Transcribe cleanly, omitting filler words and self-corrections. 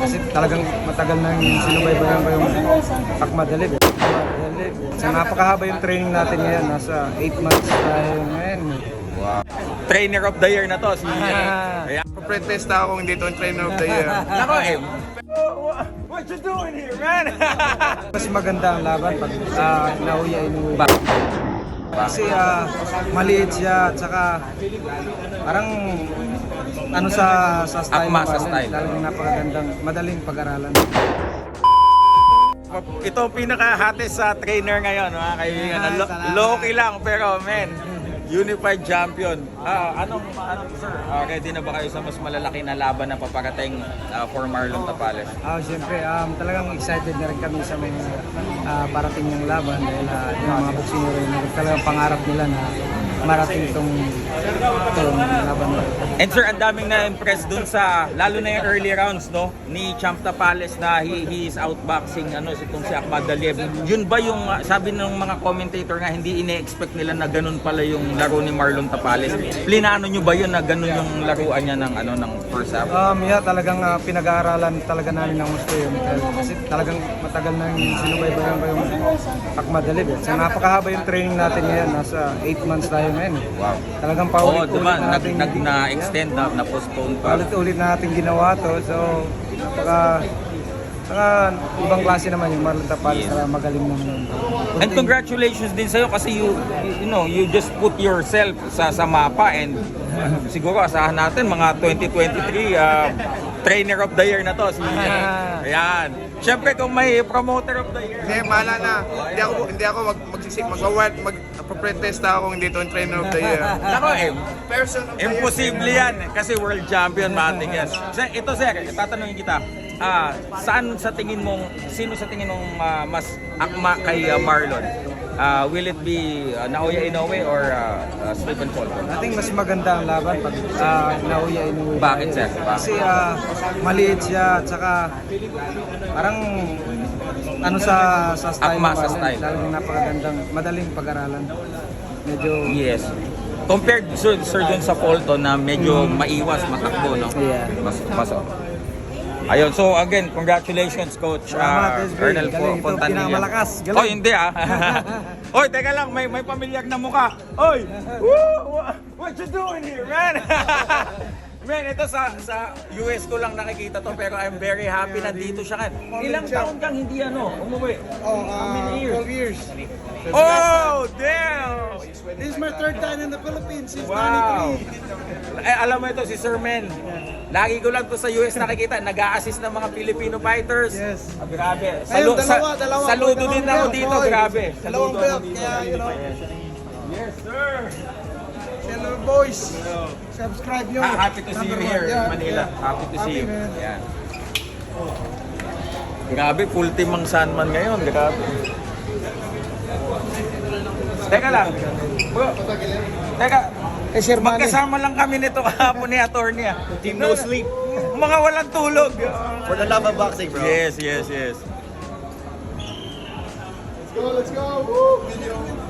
Kasi talagang matagal nang sinubaybayan ko yung Akmadalib. So, napakahaba yung training natin ngayon. Nasa 8 months tayo ngayon. Wow. Trainer of the year na to. Kaya Pretest ako hindi itong trainer of the year. nako what you doing here, man? Mas maganda ang laban pag nauya inuwi. Kasi maliit siya at saka parang ano sa style. Akma sa style. Talagang napakagandang, madaling pag-aralan. Ito ang pinaka-hottest sa trainer ngayon, mga kaibigan. Low-key lang, pero men, unified champion. Anong sir? Ready na ba kayo sa mas malalaki na laban na paparating for Marlon Tapales? Siyempre, talagang excited na rin kami sa mga parating niyang laban dahil yung mga boxing rin, talagang pangarap nila na marating itong laban na. And sir, ang daming na-impress dun sa, lalo na yung early rounds, no? Ni Champ Tapales na he is outboxing, itong si Akmadalib. Yun ba yung, sabi ng mga commentator nga, hindi ine-expect nila na ganun pala yung laro ni Marlon Tapales. Plinano nyo ba yun na ganun yung laruan niya ng first half? Yeah, talagang pinag-aaralan talaga namin ng gusto yun. Kasi talagang matagal nang sinubaybayan ko yung Akmadalib. So, napakahaba yung training natin ngayon. Nasa 8 months tayo ngayon. Wow. Talagang paulit-ulit diba? natin. Na-extend na postpone pa. Paulit-ulit natin ginawa to. So, saka ibang klase naman yung Marlon Tapales. Yes. Magaling naman. And congratulations din sa'yo kasi you just put yourself sa mapa and siguro asahan natin mga 2023 trainer of the year na to. Ayan. Siyempre kung may promoter of the year. Hindi, mahala na. Hindi ako mag-pretest ako hindi itong trainer of the year. Nako, Person of the year. imposible yan kasi world champion mating yan. Ito sir, tatanungin kita. Sino sa tingin mong mas akma kay Marlon? Will it be Naoya Inoue or Stephen Fulton? I think mas maganda ang laban pag nauya inuwi. Bakit sir? Kasi maliit siya at saka parang ano sa style. Akma sa style. Talagang napakagandang, madaling pag-aralan. Medyo Yes. Compared sir dun sa Fulton na medyo maiwas, matakbo, no? Yeah. Mas ayun, so again, congratulations Coach Ernel Fontanilla. Pinakamalakas. Oh, hindi Oy, teka lang, may pamilyar na mukha. Oy! What you doing here, man? Man, ito sa US ko lang nakikita to pero I'm very happy na dito siya. Ilang taon kang hindi umuwi? How many years? 12 years. Oh, damn! This is my third time in the Philippines since Wow! Alam mo ito, si Sir Men. Lagi ko lang to sa US nakikita, nag-a-assist ng mga Filipino fighters. Yes. Grabe. Ayun, dalawa. Saludo din ako dito, grabe. Dalawang Saludo belt, ako dito. kaya Yes, sir! hello boys. Subscribe nyo. Happy to see you here in Manila. Happy to see you. man. Yan. Grabe, full team ang Sandman ngayon. Grabe. Teka lang. Bro, teka. Sir Manny. Magkasama lang kami nito kahapon ni attorney. Team no sleep. Mga walang tulog. For the love of boxing, bro. Yes. Let's go. Woo! Video.